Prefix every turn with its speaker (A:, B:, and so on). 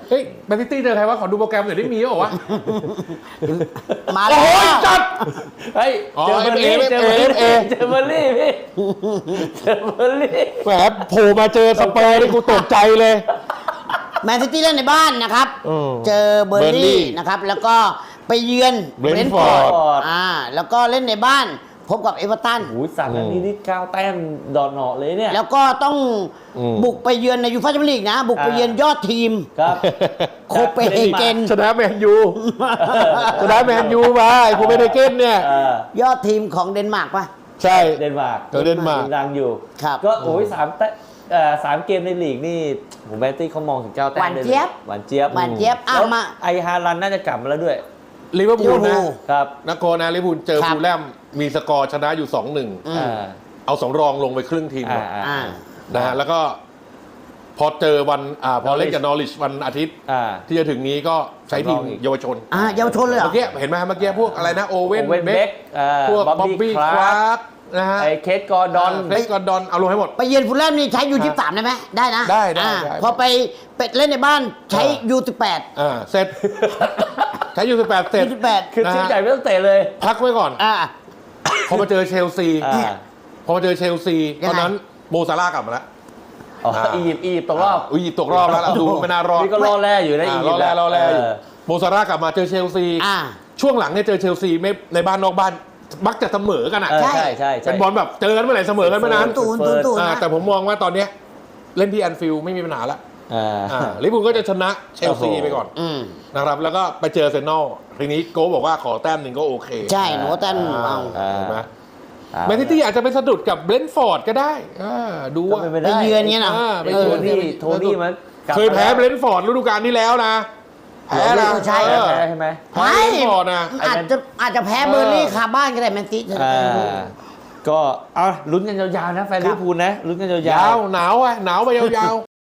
A: เฮ้ยแมนซิตี้เจอใครวะขอดูโปรแกรมหน่อยได้มีหรอวะ
B: มาแล้
A: โอ้
B: วย
A: จัด
C: เฮ้ยเจอเบอร์ลี่เจอเบอร์ลี่เจอเบอร์ลี่พี่เจอเบอร์ลี่
A: แหมโผล่มาเจอสเปอร์นี่กูตกใจเลย
B: แมนซิตี้เล่นในบ้านนะครับ เจอเบอร์
A: Burnley
B: ลี่นะครับ แล้วก็ไปเยือน
A: Brentford
B: แล้วก็เล่นในบ้านพบกับเอเวอร์ตัน
C: โอ้ย3 นัดนี้นี่9 แต้มดอนเหนาะเลยเนี่ย
B: แล้วก็ต้องบุกไปเยือนในยูฟ่าแชมเปี้ยนลีกนะ บุกไปเยือนยอดทีม
C: ครับ
B: โคเปนเฮเกน
A: ชนะแมนยูชนะแมนยูมาไอ้โคเปนเฮเกนเนี่ย
B: ยอดทีมของเดนมาร์กป่ะ
A: ใช่
C: เดนมาร์ก
A: เจอเดนมาร์ก
C: ดังอยู่
B: ครับ
C: ก็โอ้ย3 เกมในลีกนี่ผมแมนตี้เขามองถึง9 แต้ม
B: หวานเจี๊ยบ
C: หวานเจี๊ยบ
B: หวานเจี๊ยบอ่ะ
C: แล้ว
B: มา
C: ไอฮารันน่าจะกลับมาแล้วด้วย
A: ลิเวอร์พูลนะ
C: ครับ
A: นักโกนะลิเวอร์พูลเจอ
B: ครับ
A: ฟูลแลมมีสกอร์ชนะอยู่ 2-1
C: อ่า
A: เอา2 รองลงไปครึ่งทีมก่อน
B: อ่า
A: นะฮะแล้วก็พอเจอวันพอเล่นกับนอริชวันอาทิตย์
C: อ่า
A: ที่จะถึงนี้ก็ใช้ทีม
C: สำรองอีก
A: เยาวชน
B: เยาวชนเลยเหรอ
A: เมื่อกี้เห็นไหมเมื่อกี้พวกอะไรนะโอเว่น
C: โอเว่น
A: เบ
C: เบ
A: ค
C: ค
A: พวก
C: บ๊
A: บ๊
C: อ
A: อ
C: บบ บี้
A: บี้
C: ค
A: ค
C: ลา
A: ลา
C: ร์
A: ร์กนะฮะ
C: ไอเคสกอร์ดอน
A: เฟสกอร์ดอนเอาลงให้หมด
B: ไปเยือนฟูลแลมนี่ใช้ยู23ได้ไหมได้นะ
A: ได้
B: พอไปเป็ดเล่นในบ้านใช้ยู18
A: เสร็จ ใช้ยู18เสร็จ
B: 28
C: คือทีมใหญ่ไม่ต้องเตะเลย
A: พักไว้ก่อน พอมาเจอเชลซี
C: อ่า
A: พอมาเจอเชลซี
B: ยังไง
A: ตอนนั้นโมซาร่าห์กลับมาแล้ว
C: อ๋ออียิปต์ตกรอบ
A: อุ้ยตกรอบแล้วล่ะดูไม่น่ารอด
C: นี่ก็รอแร่อยู่นะอียิ
A: ร
C: ป
A: อ
C: ต์
A: แร่อยู่โมซาร่าห์กลับมาเจอเชลซี ช่วงหลังเนี่ยเจอเชลซีไม่ในบ้านนอกบ้านมักจะเสมอกันอ่ะ
C: ใช่ใช่
A: เป็นบอลแบบเจอกันเมื่อไหร่เสมอกันเมื่อนั้น
B: ตูนนะ
A: แต่ผมมองว่าตอนเนี้ยเล่นที่แอนฟิลด์ไม่มีปัญหาแล้ว
C: อ่า
A: ลิเวอร์พูลก็จะชนะเชลซี
C: โอ้โห
A: ไปก่อนนะครับแล้วก็ไปเจออาร์เซนอลทีนี้โก้บอกว่าขอแต้มหนึ่งก็โอเค
B: ใช่หนูว่าแต้มเอา
A: เห็นไหมแมนซิตี้อาจจะไปสะดุดกับเบรนท์ฟอร์ดก็ได้ดู
C: ก็
A: ว่า
C: เป็นไป
B: ไป
C: ได้
B: เยือนเงี้ยนะ
A: ไป
C: โท
A: เยือน
C: นี่มันกลับ
A: เคยแพ้
C: มา
A: เบรนท์ฟอร์ดฤดูกาลที่แล้วนะแพ้นะ
B: ใช่
C: แพ้ใช่ไหม
A: แพ้เบรนท์ฟอร์ดนะ
B: อาจจะแพ้เบอร์ลี่คาบ้านก็ได้แมนซิ
C: ก็เอาลุ้นกันยาวๆนะแฟนลิเวอร์พูลนะลุ้นกันยาย
A: าว วหนาวไปยาว